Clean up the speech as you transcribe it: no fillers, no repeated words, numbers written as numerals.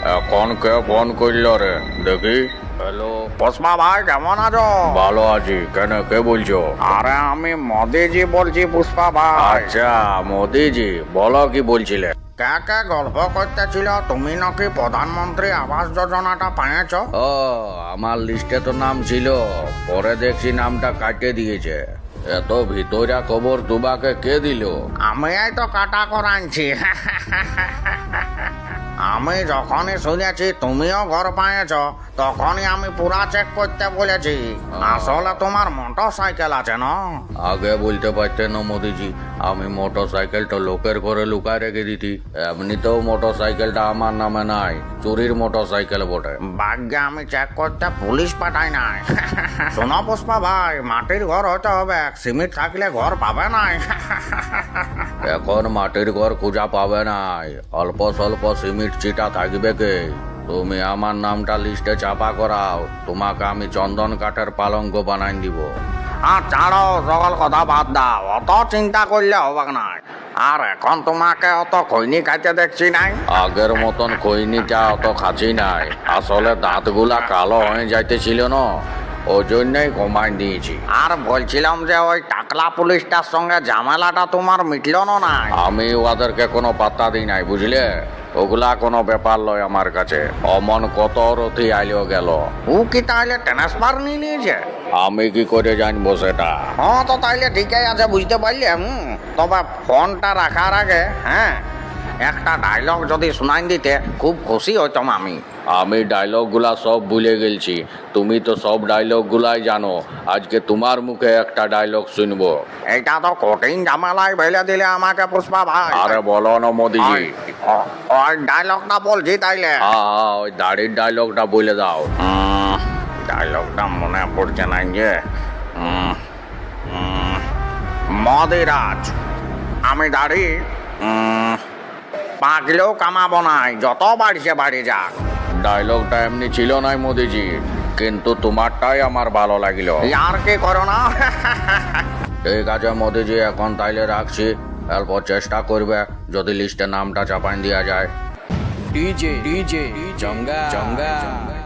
এখন কে ফোন করলো রে দেখি। হ্যালো পুষ্পা ভাই কেমন আছো? ভালো আছি, কেন কে বলছো? আরে আমি মোদিজি বলছি পুষ্পা ভাই। আচ্ছা মোদিজি, বলো কি বলছিলে? কে কে গল্প করতেছিল তুমি নাকি প্রধানমন্ত্রী আবাস যোজনাটা পেয়েছো? ও, আমার লিস্টে তো নাম ছিল, পরে দেখছি নামটা কাটিয়ে দিয়েছে। এত ভিতরা খবর তোমাকে কে দিল? আমি এই তো কাটা করাইছি। আমি যখনই শুনেছি তুমিও ঘর পেয়েছো তখনই আমি পুরা চেক করতে বলেছি। আসলে তোমার মোটর সাইকেল আছে না? আগে বলতে পারতেন না মোদিজি, আমি মোটর সাইকেলটা লোকের ঘরে লুকায় রেখে দিতি। এমনিতেও মোটর সাইকেলটা আমার নামে নাই, চুরির মোটর সাইকেল বটে। ভাগ্যে আমি চেক করতে পুলিশ পাঠাই নাই। শোনো পুষ্পা ভাই, মাটির ঘর হতে হবে, সিমেন্ট থাকলে ঘর পাবে নাই। এখন মাটির ঘর খুঁজা পাবে নাই, অল্প স্বল্প সিমেন্ট চিটা থাকবে কে? তুমি আমার নামটা লিস্টে চাপা করাও, তোমাকে আমি চন্দন কাঠের পালঙ্ক বানাই দিব। আর ছাড়ো, সকল কথা বাদ দাও, অত চিন্তা করলে হবে না। আর এখন তোমাকে অত খৈনি খাইতে দেখছি নাই। আগের মতন খৈনিটা অত খাচ্ছি নাই, আসলে দাঁতগুলা কালো হয়ে যাইতেছিল না, ওই জন্যই কমাই দিয়েছি। আর বলছিলাম যে ওই টাকলা পুলিশটার সঙ্গে ঝামেলাটা তোমার মিটলো না? আমি ওদেরকে কোনো পাত্তা দিই নাই, বুঝলে? ওগুলা কোনো ব্যাপার লয় আমার কাছে। অমন কত রথি আইলো গেল, ও কি তাহলে ট্রান্সফার নিয়ে নিয়েছে? আমি কি করে জানবো সেটা? হ্যাঁ, তো তাইলে ঠিকই আছে, বুঝতে পারলি। তবে ফোনটা রাখার আগে একটা ডায়লগ যদি শোনাই দিতে খুব খুশি হইতাম আমি। আমি ডায়লগগুলা সব ভুলে গেছি, তুমি তো সব ডায়লগগুলাই জানো। আজকে তোমার মুখে একটা ডায়লগ শুনবো। এটা তো কঠিন ঝামেলায় ফেলে দিলে আমাকে পুষ্পা ভাই। আরে বলো না মোদিজি। ওই ডায়লগটা বলছি তাইলে। হ্যাঁ, ওই দাড়ির ডায়লগটা বলে দাও। ডায়লগটা মনে পড়ছে না যে। মদিরাজ, আমি দাড়ি পাকলেও কামাবো নাই, যত বাড়িছে বাড়ি যাক। ডায়লগটা এমনি ছিল নাই মোদিজি, কিন্তু তোমারটাই আমার ভালো লাগলো। আর কি করো না। ঠিক আছে মোদিজি, এখন তাইলে রাখছি। এরপর চেষ্টা করবে যদি লিস্টে নামটা চাপাই দেওয়া যায়। DJ, Jongga.